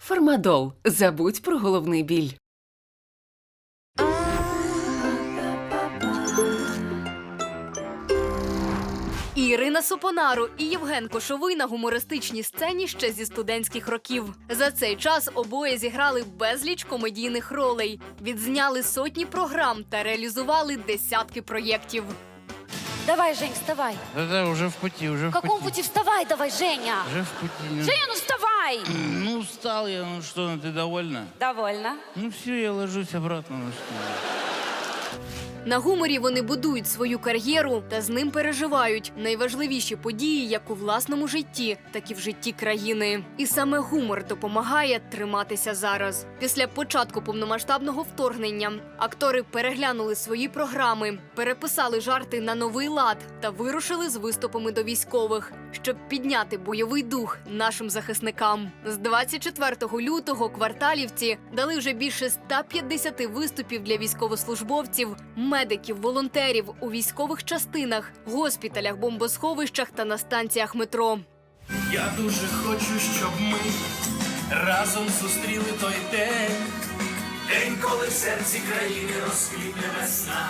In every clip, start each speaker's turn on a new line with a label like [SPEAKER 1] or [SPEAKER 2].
[SPEAKER 1] Фармадол. Забудь про головний біль.
[SPEAKER 2] Ірина Сопонару і Євген Кошовий на гумористичній сцені ще зі студентських років. За цей час обоє зіграли безліч комедійних ролей, відзняли сотні програм та реалізували десятки проєктів.
[SPEAKER 3] Давай, Жень, вставай.
[SPEAKER 4] Да-да, уже в пути, уже
[SPEAKER 3] В
[SPEAKER 4] в
[SPEAKER 3] каком
[SPEAKER 4] пути.
[SPEAKER 3] пути вставай, давай, Женя?
[SPEAKER 4] Уже в пути. Ну,
[SPEAKER 3] Женя, ну вставай!
[SPEAKER 4] ну, устал я, ну что, ну, ты довольна?
[SPEAKER 3] Довольно.
[SPEAKER 4] Ну все, я ложусь обратно. Ну, что?
[SPEAKER 2] На гуморі вони будують свою кар'єру та з ним переживають найважливіші події як у власному житті, так і в житті країни. І саме гумор допомагає триматися зараз. Після початку повномасштабного вторгнення актори переглянули свої програми, переписали жарти на новий лад та вирушили з виступами до військових, щоб підняти бойовий дух нашим захисникам. З 24 лютого кварталівці дали вже більше 150 виступів для військовослужбовців, медиків, волонтерів у військових частинах, госпіталях, бомбосховищах та на станціях метро.
[SPEAKER 5] Я дуже хочу, щоб ми разом зустріли той день, день, коли в серці країни розквітне весна.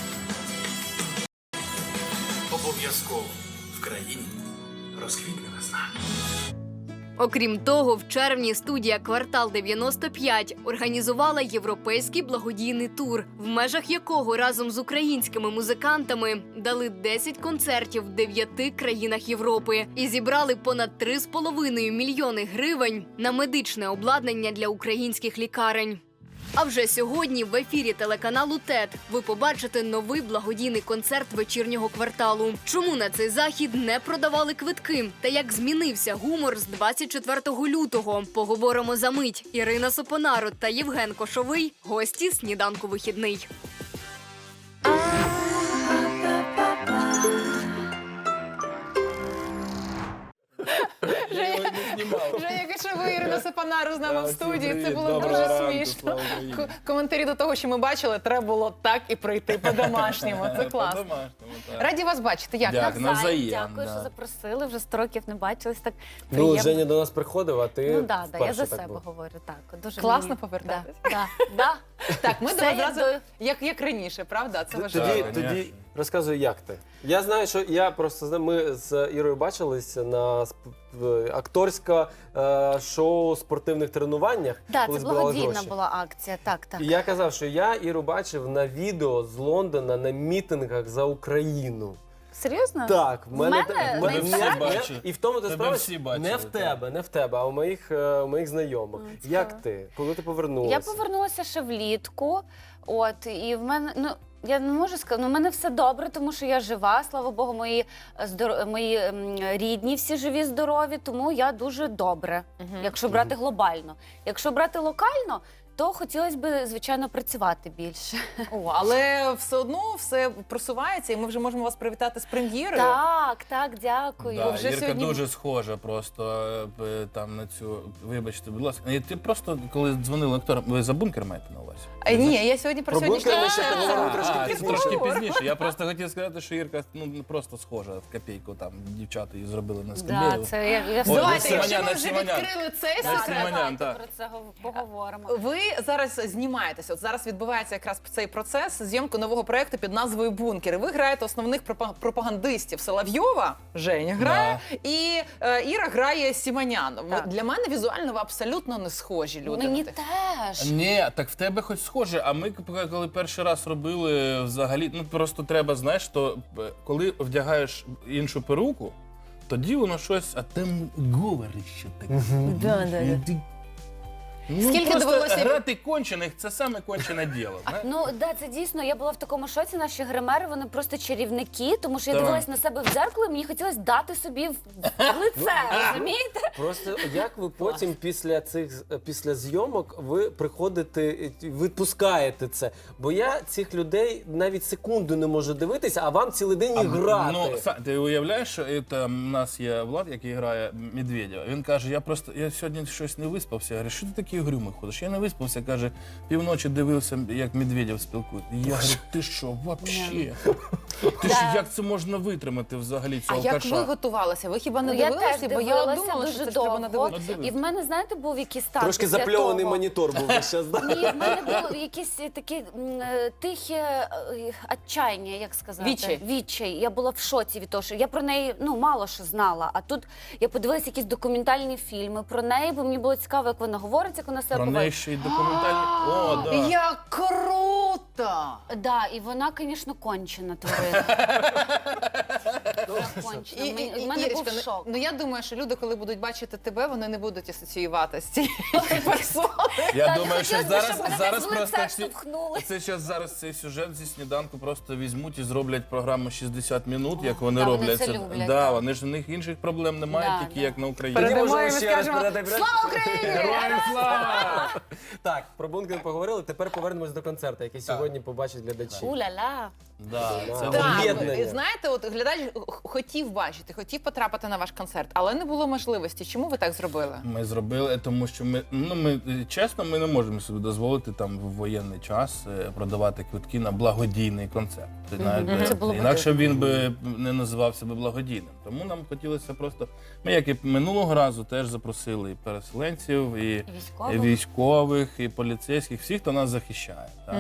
[SPEAKER 5] Обов'язково в країні розквітне весна.
[SPEAKER 2] Окрім того, в червні студія «Квартал 95» організувала європейський благодійний тур, в межах якого разом з українськими музикантами дали 10 концертів в 9 країнах Європи і зібрали понад 3,5 мільйони гривень на медичне обладнання для українських лікарень. А вже сьогодні в ефірі телеканалу ТЕТ ви побачите новий благодійний концерт вечірнього кварталу. Чому на цей захід не продавали квитки? Та як змінився гумор з 24 лютого? Поговоримо за мить. Ірина Сопонару та Євген Кошовий – гості «Сніданку вихідний».
[SPEAKER 6] Женя Кошовий, Ірина Сопонару з нами в студії. Це було дуже смішно. Коментарі до того, що ми бачили, треба було так і пройти по-домашньому. Це класно. Раді вас бачити. Як?
[SPEAKER 4] Дякую. навзаєм,
[SPEAKER 3] Дякую,
[SPEAKER 4] да.
[SPEAKER 3] що запросили. Вже 100 років не бачились. Так
[SPEAKER 7] Ну,
[SPEAKER 3] приємно.
[SPEAKER 7] Женя до нас приходив, а ти
[SPEAKER 3] Ну, да, я
[SPEAKER 7] вперше
[SPEAKER 3] за
[SPEAKER 7] так
[SPEAKER 3] себе
[SPEAKER 7] було.
[SPEAKER 3] говорю. Так, дуже
[SPEAKER 6] Класно
[SPEAKER 3] мені-
[SPEAKER 6] повертатись.
[SPEAKER 3] Да.
[SPEAKER 6] Так, ми до
[SPEAKER 3] Все
[SPEAKER 6] вас
[SPEAKER 3] як
[SPEAKER 6] зразу,
[SPEAKER 3] до-
[SPEAKER 6] як раніше, правда? Це важливо.
[SPEAKER 7] Тоді,
[SPEAKER 4] конечно.
[SPEAKER 7] тоді розказуй, як ти. Я знаю, що я просто знаю, ми з Ірою бачились на акторське шоу спортивних тренуваннях.
[SPEAKER 3] Да,
[SPEAKER 7] коли
[SPEAKER 3] це
[SPEAKER 7] збирали
[SPEAKER 3] благодійна
[SPEAKER 7] гроші.
[SPEAKER 3] була акція. Так, так.
[SPEAKER 7] І я казав, що я Іру бачив на відео з Лондона на мітингах за Україну.
[SPEAKER 3] Серйозно?
[SPEAKER 7] Так, в мене
[SPEAKER 3] мене?
[SPEAKER 7] в
[SPEAKER 3] На інстаграмі?
[SPEAKER 4] бачили.
[SPEAKER 7] і в тому ти
[SPEAKER 4] Тебе
[SPEAKER 7] справа
[SPEAKER 4] всі бачили,
[SPEAKER 7] не в тебе, не в тебе, а у моїх знайомих. Як ти? Коли ти повернулася?
[SPEAKER 3] Я повернулася ще влітку. От, і в мене, ну, я не можу сказати, ну, в мене все добре, тому що я жива, слава Богу, мої рідні всі живі, здорові, тому я дуже добре, якщо брати глобально. Якщо брати локально, то хотілося б, звичайно, працювати більше.
[SPEAKER 6] О, але все одно все просувається, і ми вже можемо вас привітати з прем'єрою.
[SPEAKER 3] Так, дякую.
[SPEAKER 4] Да,
[SPEAKER 6] вже
[SPEAKER 4] Ірка
[SPEAKER 6] сьогодні-
[SPEAKER 4] дуже схожа просто там на цю, вибачте, будь ласка. І ти просто, коли дзвонили акторам, ви за бункер маєте на увазі?
[SPEAKER 6] Ні, я сьогодні про
[SPEAKER 7] Про бункер ми ще
[SPEAKER 6] сьогоднішній
[SPEAKER 7] поговоримо
[SPEAKER 6] концерт.
[SPEAKER 7] трошки
[SPEAKER 4] А,
[SPEAKER 7] пізніше.
[SPEAKER 4] трошки пізніше. Я просто хотів сказати, що Ірка просто схожа в копійку. Там дівчата її зробили на
[SPEAKER 3] Да,
[SPEAKER 4] скам'ї.
[SPEAKER 3] це я
[SPEAKER 4] Ой,
[SPEAKER 6] Давайте,
[SPEAKER 4] Симонян,
[SPEAKER 6] якщо ми вже
[SPEAKER 4] Симонян.
[SPEAKER 6] відкрили цей
[SPEAKER 4] Да,
[SPEAKER 6] секрет,
[SPEAKER 4] Симонян,
[SPEAKER 3] давайте
[SPEAKER 4] так.
[SPEAKER 3] про це поговоримо.
[SPEAKER 6] ви зараз знімаєтеся. От зараз відбувається якраз цей процес зйомки нового проєкту під назвою «Бункер». І ви граєте основних пропагандистів. Соловйова, Женя грає, і Іра грає Сімонян.
[SPEAKER 3] Так.
[SPEAKER 6] Для мене візуально ви абсолютно не схожі люди.
[SPEAKER 3] Мені теж.
[SPEAKER 4] Ні, так в тебе хоч схоже, а ми коли перший раз робили взагалі, ну просто треба, знаєш, то коли вдягаєш іншу перуку, тоді воно щось, а там говорить ще таке. Ну,
[SPEAKER 6] Скільки
[SPEAKER 4] просто
[SPEAKER 6] довелося-
[SPEAKER 4] грати кончених, це саме кончене діло. знаєш?
[SPEAKER 3] Ну, да, це дійсно, я була в такому шоці, наші гримери, вони просто чарівники, тому що я
[SPEAKER 4] Так.
[SPEAKER 3] дивилась на себе в дзеркало, і мені хотілося дати собі в лице, розумієте?
[SPEAKER 7] Просто як ви потім після зйомок ви приходите, відпускаєте це? Бо я цих людей навіть секунду не можу дивитися, а вам цілий день і грати.
[SPEAKER 4] Ну, ти уявляєш, що у нас є Влад, який грає Медведєва. Він каже, я сьогодні щось не виспався. Я говорю, що ти таке такий угрюмий ходиш? Я не виспався, каже, півночі дивився, як Медведєв спілкується. Я говорю, ти що, вообще? Ти ж як це можна витримати взагалі
[SPEAKER 6] А
[SPEAKER 4] цього
[SPEAKER 6] як
[SPEAKER 4] каша?
[SPEAKER 6] ви готувалися? Ви хіба не
[SPEAKER 3] Ну, я
[SPEAKER 6] дивилися?
[SPEAKER 3] теж
[SPEAKER 6] Бо я
[SPEAKER 3] дивилася
[SPEAKER 6] думала, що
[SPEAKER 3] дуже
[SPEAKER 6] це ж треба
[SPEAKER 3] довго.
[SPEAKER 6] надивитися.
[SPEAKER 3] І в мене, знаєте, був якийсь стан
[SPEAKER 7] Трошки
[SPEAKER 3] після
[SPEAKER 7] запльований
[SPEAKER 3] того.
[SPEAKER 7] монітор був весь час. да?
[SPEAKER 3] Ні, в мене було якесь таке тихе отчаяння, як сказати.
[SPEAKER 6] Відчай.
[SPEAKER 3] Відчай. Я була в шоці від того, що я про неї мало що знала. А тут я подивилася якісь документальні фільми про неї, бо мені було цікаво, як вона говорить, як вона себе
[SPEAKER 4] Про
[SPEAKER 3] поводить.
[SPEAKER 4] неї ще й документальні. О, да.
[SPEAKER 6] Як круто!
[SPEAKER 3] Да, і вона, звісно, кончена тварина. Вона кончена. У мене був
[SPEAKER 6] Ірочка,
[SPEAKER 3] шок.
[SPEAKER 6] ну я думаю, що люди, коли будуть бачити тебе, вони не будуть асоціювати з цією персоною.
[SPEAKER 4] Я
[SPEAKER 3] Так,
[SPEAKER 4] думаю, що
[SPEAKER 3] хотілося б, щоб мене
[SPEAKER 4] зараз
[SPEAKER 3] в лице
[SPEAKER 4] просто всі...
[SPEAKER 3] штовхнули.
[SPEAKER 4] Зараз цей сюжет зі сніданку просто візьмуть і зроблять програму 60 минут, як вони
[SPEAKER 3] да, вони
[SPEAKER 4] роблять
[SPEAKER 3] це люблять,
[SPEAKER 4] Да,
[SPEAKER 3] так.
[SPEAKER 4] вони ж у них інших проблем немає,
[SPEAKER 3] Да,
[SPEAKER 4] тільки
[SPEAKER 3] да.
[SPEAKER 4] як на Україні.
[SPEAKER 7] Тоді
[SPEAKER 6] Передамо
[SPEAKER 7] можемо
[SPEAKER 6] і ми
[SPEAKER 7] ще раз
[SPEAKER 6] скажемо,
[SPEAKER 7] передати.
[SPEAKER 6] «Слава Україні!»
[SPEAKER 4] Героям слава!
[SPEAKER 7] Так, про бункер поговорили. Тепер повернемось до концерту, який сьогодні побачать глядачі.
[SPEAKER 3] Уля-ла.
[SPEAKER 4] Да, це
[SPEAKER 7] Так.
[SPEAKER 6] Так,
[SPEAKER 7] Об'єднання.
[SPEAKER 6] і знаєте, от глядач хотів бачити, хотів потрапити на ваш концерт, але не було можливості. Чому ви так зробили?
[SPEAKER 4] Ми зробили, тому що ми чесно, ми не можемо собі дозволити там в воєнний час продавати квитки на благодійний концерт.
[SPEAKER 3] Це було б
[SPEAKER 4] Інакше він би не називався би благодійним. Тому нам хотілося просто. Ми, як і минулого разу, теж запросили і переселенців, і військових, і поліцейських, всіх, хто нас захищає. Так?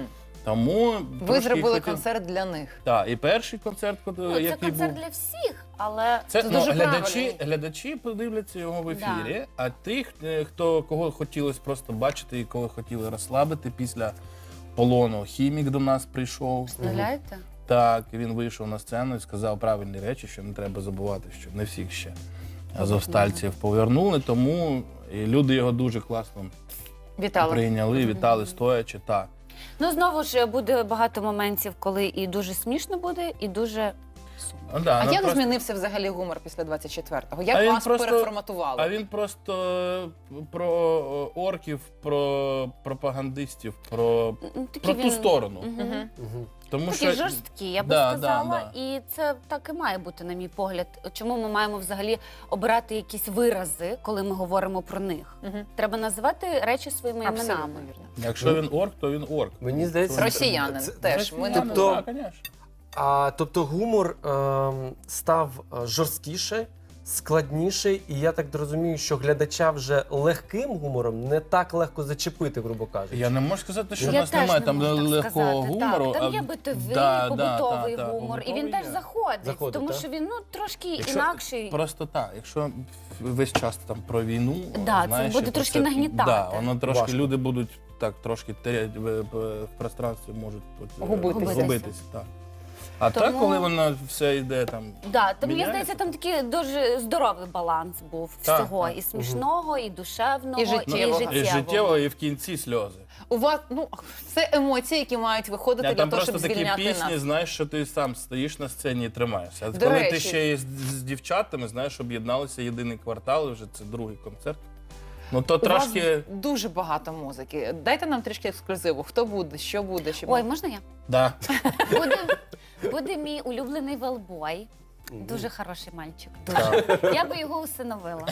[SPEAKER 4] Тому
[SPEAKER 6] Ви
[SPEAKER 4] трошки
[SPEAKER 6] зробили
[SPEAKER 4] хотів-
[SPEAKER 6] концерт для них.
[SPEAKER 4] Так, і перший концерт,
[SPEAKER 3] Ну, це
[SPEAKER 4] який
[SPEAKER 3] концерт
[SPEAKER 4] був.
[SPEAKER 3] для всіх, але
[SPEAKER 4] Це
[SPEAKER 6] дуже
[SPEAKER 4] глядачі подивляться його в ефірі, а тих, кого хотілося просто бачити і кого хотіли розслабити після полону. Хімік до нас прийшов.
[SPEAKER 3] представляєте?
[SPEAKER 4] Так, він вийшов на сцену і сказав правильні речі, що не треба забувати, що не всіх ще азовстальців повернули, тому і люди його дуже класно
[SPEAKER 6] Вітали.
[SPEAKER 4] прийняли, вітали стоячи. Так.
[SPEAKER 3] Ну, знову ж буде багато моментів, коли і дуже смішно буде, і дуже сумно.
[SPEAKER 4] Ну, да,
[SPEAKER 6] А
[SPEAKER 4] ну,
[SPEAKER 6] як
[SPEAKER 4] просто-
[SPEAKER 6] змінився взагалі гумор після 24-го?
[SPEAKER 4] А
[SPEAKER 6] Як
[SPEAKER 4] він
[SPEAKER 6] вас
[SPEAKER 4] просто-
[SPEAKER 6] переформатували?
[SPEAKER 4] А він просто про орків, про пропагандистів, про
[SPEAKER 3] Такий
[SPEAKER 4] ту сторону.
[SPEAKER 3] Мгм.
[SPEAKER 4] Тому
[SPEAKER 3] Такий
[SPEAKER 4] що
[SPEAKER 3] жорсткий, я би
[SPEAKER 4] Да,
[SPEAKER 3] сказала,
[SPEAKER 4] да.
[SPEAKER 3] і це так і має бути, на мій погляд. Чому ми маємо взагалі обирати якісь вирази, коли ми говоримо про них? Треба називати речі своїми
[SPEAKER 6] Абсолютно
[SPEAKER 3] іменами.
[SPEAKER 6] вірно.
[SPEAKER 4] якщо він орк, то він орк.
[SPEAKER 7] Мені здається,
[SPEAKER 6] Росіянин
[SPEAKER 7] це-
[SPEAKER 6] теж. Ми не
[SPEAKER 7] Тобто-
[SPEAKER 4] Так, звісно.
[SPEAKER 7] Тобто гумор став жорсткіше, складніший, і я так розумію, що глядача вже легким гумором не так легко зачепити, грубо кажучи.
[SPEAKER 4] Я не можу сказати, що
[SPEAKER 3] Я
[SPEAKER 4] в нас
[SPEAKER 3] теж
[SPEAKER 4] немає
[SPEAKER 3] не
[SPEAKER 4] там
[SPEAKER 3] можу так
[SPEAKER 4] легкого
[SPEAKER 3] сказати.
[SPEAKER 4] гумору.
[SPEAKER 3] Так, там
[SPEAKER 4] а-
[SPEAKER 3] є битовий,
[SPEAKER 4] Да,
[SPEAKER 3] побутовий
[SPEAKER 4] да,
[SPEAKER 3] гумор, і
[SPEAKER 4] побутовий
[SPEAKER 3] він теж
[SPEAKER 4] є.
[SPEAKER 3] заходить, тому
[SPEAKER 7] так?
[SPEAKER 3] що він трошки
[SPEAKER 4] Якщо
[SPEAKER 3] інакший.
[SPEAKER 4] Просто так, якщо весь час там про війну,
[SPEAKER 3] Да, це
[SPEAKER 4] знаєш,
[SPEAKER 3] буде
[SPEAKER 4] і
[SPEAKER 3] трошки
[SPEAKER 4] це-
[SPEAKER 3] нагнітати.
[SPEAKER 4] Да, воно трошки
[SPEAKER 7] Важко.
[SPEAKER 4] люди будуть так трошки терять в пространстві, можуть
[SPEAKER 6] Губитися.
[SPEAKER 4] губитись. Так. А
[SPEAKER 3] Тому-
[SPEAKER 4] так, коли воно все йде там.
[SPEAKER 3] Да, то мені
[SPEAKER 4] міняється.
[SPEAKER 3] здається, там такий дуже здоровий баланс був
[SPEAKER 4] Так,
[SPEAKER 3] всього.
[SPEAKER 4] так.
[SPEAKER 3] І смішного, і душевного,
[SPEAKER 6] І життєвого.
[SPEAKER 4] І життєво, і в кінці сльози.
[SPEAKER 6] У вас це емоції, які мають виходити для
[SPEAKER 4] Там
[SPEAKER 6] того,
[SPEAKER 4] просто
[SPEAKER 6] щоб
[SPEAKER 4] такі
[SPEAKER 6] звільняти
[SPEAKER 4] пісні,
[SPEAKER 6] нас.
[SPEAKER 4] знаєш, що ти сам стоїш на сцені і тримаєшся. А
[SPEAKER 6] До
[SPEAKER 4] коли
[SPEAKER 6] речі.
[SPEAKER 4] ти ще є з дівчатами, знаєш, об'єдналися єдиний квартал, і вже це другий концерт. Ну то
[SPEAKER 6] У вас
[SPEAKER 4] трошки.
[SPEAKER 6] дуже багато музики. Дайте нам трішки ексклюзиву. Хто буде, що буде, щоб
[SPEAKER 3] Ой, можна я?
[SPEAKER 4] Да.
[SPEAKER 3] Буде мій улюблений велбой. Дуже хороший мальчик. Дуже. Я би його усиновила.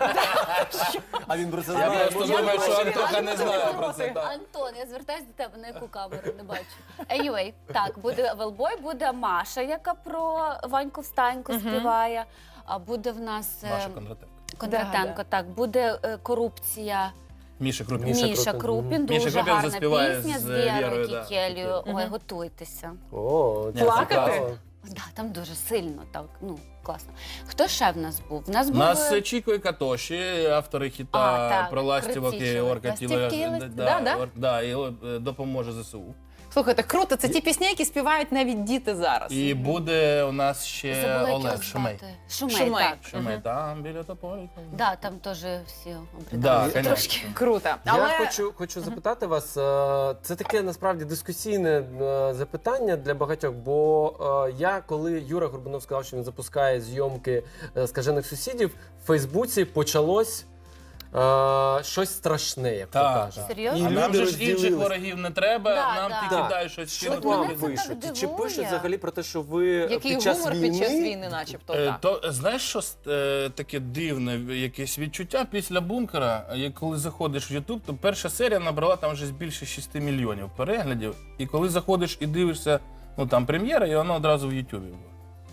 [SPEAKER 7] А він про це
[SPEAKER 4] Я
[SPEAKER 7] знає.
[SPEAKER 4] просто думаю, що Антоха не знає про це. так.
[SPEAKER 3] Антон, я звертаюся до тебе, на яку камеру не бачу. Anyway, так, буде велбой, буде Маша, яка про Ваньку Встаньку співає. А буде в нас
[SPEAKER 4] Маша Кондратенко.
[SPEAKER 3] Кондратенко,
[SPEAKER 6] Да,
[SPEAKER 3] так, буде корупція.
[SPEAKER 4] Міша Крупін.
[SPEAKER 3] Міша Крупін,
[SPEAKER 4] Міша
[SPEAKER 3] дуже
[SPEAKER 4] Крупін
[SPEAKER 3] гарна
[SPEAKER 4] заспіває
[SPEAKER 3] пісня
[SPEAKER 4] з
[SPEAKER 3] з Вірою
[SPEAKER 4] Вірою, да,
[SPEAKER 3] Кікелью.
[SPEAKER 4] Кікелью.
[SPEAKER 3] Ой, готуйтеся.
[SPEAKER 7] О, це
[SPEAKER 6] Плакати?
[SPEAKER 7] цікаво.
[SPEAKER 3] Да, там дуже сильно, так, ну, класно. Хто ще в нас був? В нас
[SPEAKER 4] У
[SPEAKER 3] був...
[SPEAKER 4] нас Чіко і Катоші, автори хіта
[SPEAKER 3] так,
[SPEAKER 4] про ластівок і
[SPEAKER 3] крутішого.
[SPEAKER 4] орка
[SPEAKER 3] Ластівки,
[SPEAKER 6] да?
[SPEAKER 4] і допоможе ЗСУ.
[SPEAKER 6] Слухайте, круто, це ті пісні, які співають навіть діти зараз.
[SPEAKER 4] І буде у нас ще
[SPEAKER 3] Забула, як його
[SPEAKER 4] Олег Шумей.
[SPEAKER 3] звати. Шумей,
[SPEAKER 6] Шумей.
[SPEAKER 3] так.
[SPEAKER 4] Шумей, там біля тополі.
[SPEAKER 3] Да, там теж всі
[SPEAKER 4] Да,
[SPEAKER 3] обридали.
[SPEAKER 4] конечно.
[SPEAKER 3] Трошки.
[SPEAKER 6] Круто. Але
[SPEAKER 7] Я хочу запитати вас, це таке насправді дискусійне запитання для багатьох, бо я, коли Юра Горбунов сказав, що він запускає зйомки «Скажених сусідів», в Фейсбуці почалось щось страшне, як то
[SPEAKER 4] Так,
[SPEAKER 7] кажуть.
[SPEAKER 4] так.
[SPEAKER 3] Серйозно?
[SPEAKER 4] А
[SPEAKER 7] І
[SPEAKER 4] нам
[SPEAKER 7] люди
[SPEAKER 4] же ж інших
[SPEAKER 7] розділились.
[SPEAKER 4] ворогів не треба,
[SPEAKER 3] Да,
[SPEAKER 4] нам
[SPEAKER 3] да.
[SPEAKER 4] тільки
[SPEAKER 7] Так.
[SPEAKER 4] дай щось
[SPEAKER 7] Що
[SPEAKER 4] кинути.
[SPEAKER 7] вам
[SPEAKER 3] мене це
[SPEAKER 7] пишуть?
[SPEAKER 3] так
[SPEAKER 7] Чи
[SPEAKER 3] дивує.
[SPEAKER 7] пишуть взагалі про те, що ви
[SPEAKER 6] Який
[SPEAKER 7] під час
[SPEAKER 6] гумор
[SPEAKER 7] війни...
[SPEAKER 6] під час війни, начебто, так.
[SPEAKER 4] То знаєш, що таке дивне якесь відчуття після бункера, коли заходиш в Ютуб, то перша серія набрала там вже більше 6 мільйонів переглядів. І коли заходиш і дивишся, ну там прем'єра, і воно одразу в Ютубі було.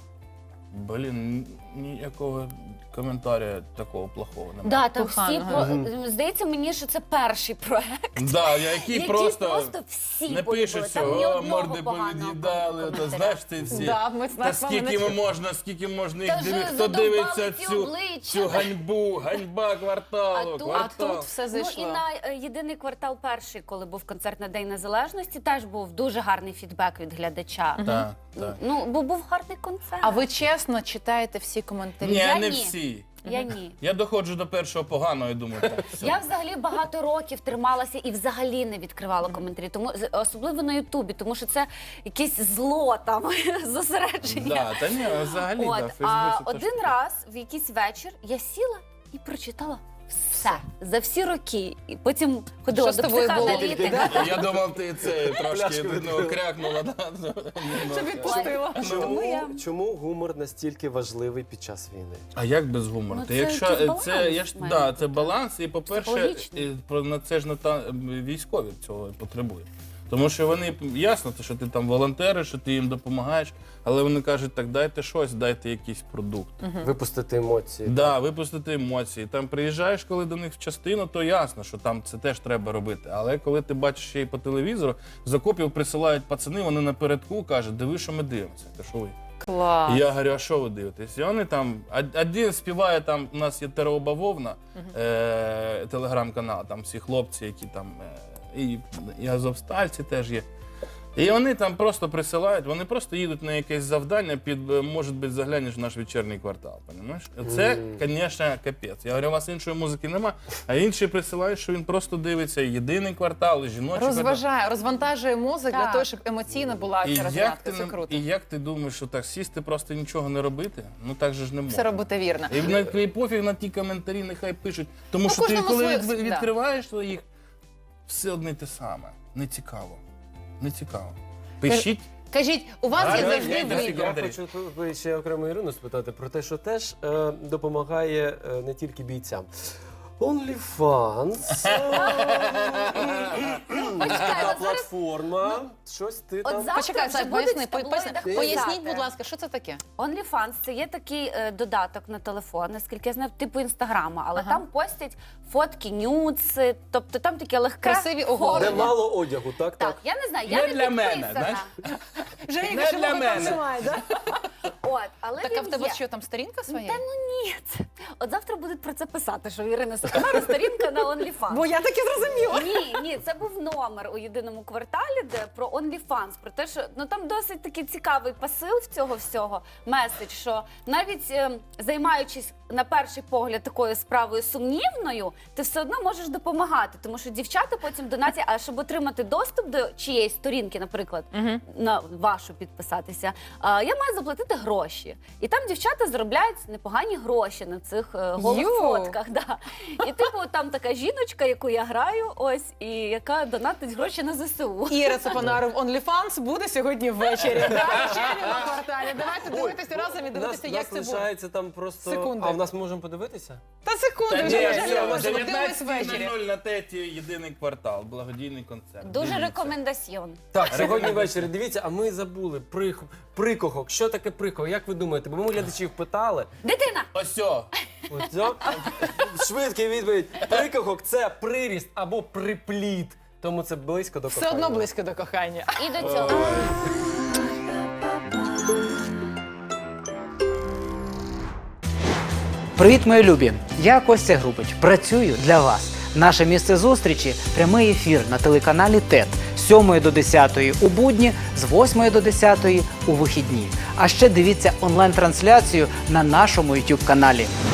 [SPEAKER 4] Блін, ніякого коментаря такого плохого немає.
[SPEAKER 3] Да, там всі
[SPEAKER 6] Поганого.
[SPEAKER 3] здається мені, що це перший проект.
[SPEAKER 4] Да, який
[SPEAKER 3] Які
[SPEAKER 4] просто
[SPEAKER 3] всі
[SPEAKER 4] не
[SPEAKER 3] полюбили.
[SPEAKER 4] пишуть
[SPEAKER 3] Там ні
[SPEAKER 4] цього,
[SPEAKER 3] одного
[SPEAKER 4] морди
[SPEAKER 3] поганого
[SPEAKER 4] повід'їдали, то
[SPEAKER 3] коментаря.
[SPEAKER 4] знаєш ці всі.
[SPEAKER 6] Да, ми
[SPEAKER 4] Та
[SPEAKER 6] знаємо,
[SPEAKER 4] скільки можна
[SPEAKER 3] Та
[SPEAKER 4] їх
[SPEAKER 3] вже
[SPEAKER 4] дивитися, хто
[SPEAKER 3] задовбали
[SPEAKER 4] дивиться
[SPEAKER 3] ці
[SPEAKER 4] цю
[SPEAKER 3] обличчя.
[SPEAKER 4] ганьба кварталу,
[SPEAKER 3] А тут-
[SPEAKER 6] А
[SPEAKER 4] квартал.
[SPEAKER 6] тут все
[SPEAKER 3] Ну
[SPEAKER 6] зайшло.
[SPEAKER 3] і на єдиний квартал перший, коли був концерт на День Незалежності, теж був дуже гарний фідбек від глядача.
[SPEAKER 4] Так, так.
[SPEAKER 3] Ну, бо був гарний концерт.
[SPEAKER 6] А ви чесно читаєте всі коментарі?
[SPEAKER 4] Ні,
[SPEAKER 3] Я
[SPEAKER 4] не
[SPEAKER 3] ні.
[SPEAKER 4] всі.
[SPEAKER 3] Я ні.
[SPEAKER 4] Я доходжу до першого поганого і думаю, так, все.
[SPEAKER 3] Я взагалі багато років трималася і взагалі не відкривала коментарі, тому особливо на Ютубі, тому що це якесь зло там зосередження.
[SPEAKER 4] Да, та ні, взагалі,
[SPEAKER 3] От,
[SPEAKER 4] да, в
[SPEAKER 3] а
[SPEAKER 4] Фейсбуці
[SPEAKER 3] один
[SPEAKER 4] теж.
[SPEAKER 3] раз в якийсь вечір я сіла і прочитала все за всі роки. І потім ходила
[SPEAKER 6] Що з
[SPEAKER 3] до
[SPEAKER 6] тобою було?
[SPEAKER 3] психоаналітика.
[SPEAKER 4] Я думав, ти це трошки
[SPEAKER 7] Пляшку відкрила.
[SPEAKER 4] крякнула. Да?
[SPEAKER 6] Щоб відпустила.
[SPEAKER 7] Чому гумор настільки важливий під час війни?
[SPEAKER 4] А як без гумору?
[SPEAKER 3] Ну,
[SPEAKER 4] Ти
[SPEAKER 3] це
[SPEAKER 4] якщо
[SPEAKER 3] якийсь баланс
[SPEAKER 4] я ж
[SPEAKER 3] має
[SPEAKER 4] да,
[SPEAKER 3] бути.
[SPEAKER 4] це баланс, і по-перше,
[SPEAKER 3] Психологічний.
[SPEAKER 4] на це ж військові цього потребують. Тому що вони ясно, що ти там волонтериш, що ти їм допомагаєш, але вони кажуть, так дайте щось, дайте якийсь продукт.
[SPEAKER 7] Випустити емоції.
[SPEAKER 4] Да, випустити емоції. Там приїжджаєш, коли до них в частину, то ясно, що там це теж треба робити. Але коли ти бачиш ще й по телевізору, з окопів присилають пацани, вони напередку кажуть, диви, що ми дивимося. Та що ви?
[SPEAKER 6] Клас.
[SPEAKER 4] І я говорю, а що ви дивитесь? І вони там, один співає, там у нас є Тереоба Вовна, телеграм-канал, там всі хлопці, які там, і азовстальці теж є. І вони там просто присилають, вони просто їдуть на якесь завдання під, може бути, заглянеш в наш вечірній квартал. Понімаєш? Це, звісно, капець. Я говорю, у вас іншої музики нема, а інші присилають, що він просто дивиться єдиний квартал, і жіночий квартал.
[SPEAKER 6] Розважає, розвантажує мозок для
[SPEAKER 3] Так.
[SPEAKER 6] того, щоб емоційно була
[SPEAKER 4] І
[SPEAKER 6] ця
[SPEAKER 4] як,
[SPEAKER 6] розрядка.
[SPEAKER 4] ти,
[SPEAKER 6] Це круто.
[SPEAKER 4] і як ти думаєш, що так сісти, просто нічого не робити? Ну так же ж не можна.
[SPEAKER 6] Все робити вірно.
[SPEAKER 4] І пофіг на ті коментарі, нехай пишуть. Тому
[SPEAKER 6] Ну,
[SPEAKER 4] що ти,
[SPEAKER 6] кожному
[SPEAKER 4] коли
[SPEAKER 6] своє, да.
[SPEAKER 4] відкриваєш їх, все одне й те саме. Не цікаво. Не цікаво. Пишіть.
[SPEAKER 6] Кажіть, у вас є
[SPEAKER 4] Гарно,
[SPEAKER 6] завжди
[SPEAKER 4] я йду всі
[SPEAKER 6] вибір.
[SPEAKER 7] Я
[SPEAKER 4] коментарі.
[SPEAKER 7] хочу ще окремо Ірину спитати про те, що теж допомагає не тільки бійцям. OnlyFans, така платформа, щось ти
[SPEAKER 3] От
[SPEAKER 7] там...
[SPEAKER 3] завтра
[SPEAKER 6] Почекай,
[SPEAKER 3] вже
[SPEAKER 6] Саш,
[SPEAKER 3] будуть
[SPEAKER 6] поясни,
[SPEAKER 3] в таблоїдах
[SPEAKER 6] поясніть,
[SPEAKER 3] писати.
[SPEAKER 6] будь ласка, що це таке?
[SPEAKER 3] OnlyFans – це є такий додаток на телефон, наскільки я знаю, типу інстаграма, але
[SPEAKER 6] Ага.
[SPEAKER 3] там постять фотки, нюци, тобто там таке легке.
[SPEAKER 6] Красиві оголи.
[SPEAKER 7] Де мало одягу, так?
[SPEAKER 3] Так, я не знаю,
[SPEAKER 4] Не
[SPEAKER 3] я не
[SPEAKER 4] для мене,
[SPEAKER 3] підписана.
[SPEAKER 4] знаєш?
[SPEAKER 6] Женя,
[SPEAKER 4] Не для мене.
[SPEAKER 3] От, але
[SPEAKER 6] Так, а
[SPEAKER 3] він
[SPEAKER 6] в тебе
[SPEAKER 3] є.
[SPEAKER 6] що, там сторінка своя?
[SPEAKER 3] Та ну ні. От завтра будуть про це писати, що в Ірини Соконара сторінка на OnlyFans.
[SPEAKER 6] я так і зрозуміла.
[SPEAKER 3] Ні, це був номер у єдиному кварталі, де про OnlyFans, про те, що ну там досить такий цікавий посил в цього всього, меседж, що навіть займаючись на перший погляд такою справою сумнівною, ти все одно можеш допомагати, тому що дівчата потім донатять, а щоб отримати доступ до чиєїсь сторінки, наприклад, на вашу підписатися, я маю заплатити гроші. І там дівчата заробляють непогані гроші на цих голих
[SPEAKER 6] Йоу.
[SPEAKER 3] фотках. Да. І типу там така жіночка, яку я граю, ось, і яка донатить гроші на ЗСУ.
[SPEAKER 6] Іра Цепанаров OnlyFans буде сьогодні ввечері. Вечері на кварталі. Давайте дивитися разом і дивитися, як це буде.
[SPEAKER 7] лишається там просто...
[SPEAKER 6] Секунди.
[SPEAKER 7] А в нас можемо подивитися?
[SPEAKER 6] Та секунду,
[SPEAKER 4] Та ні,
[SPEAKER 6] вже
[SPEAKER 4] все,
[SPEAKER 6] вже подивимось ввечері.
[SPEAKER 4] 19:00 на теті єдиний квартал, благодійний концерт.
[SPEAKER 3] Дуже
[SPEAKER 4] Дивіться.
[SPEAKER 3] рекомендаціон.
[SPEAKER 7] Так, сьогодні ввечері, дивіться, а ми забули прикохок. Що таке прикохок? Як ви думаєте? Бо ми глядачів питали.
[SPEAKER 3] Дитина!
[SPEAKER 4] Осьо.
[SPEAKER 7] Оцьо. Швидкий відповідь. Прикохок – це приріст або припліт. Тому це близько до
[SPEAKER 6] Все
[SPEAKER 7] кохання.
[SPEAKER 6] одно близько до кохання.
[SPEAKER 3] І до цього.
[SPEAKER 8] Привіт, мої любі! Я Костя Грубич. Працюю для вас. Наше місце зустрічі – прямий ефір на телеканалі ТЕТ з 7 до 10 у будні, з 8 до 10 у вихідні. А ще дивіться онлайн-трансляцію на нашому YouTube-каналі.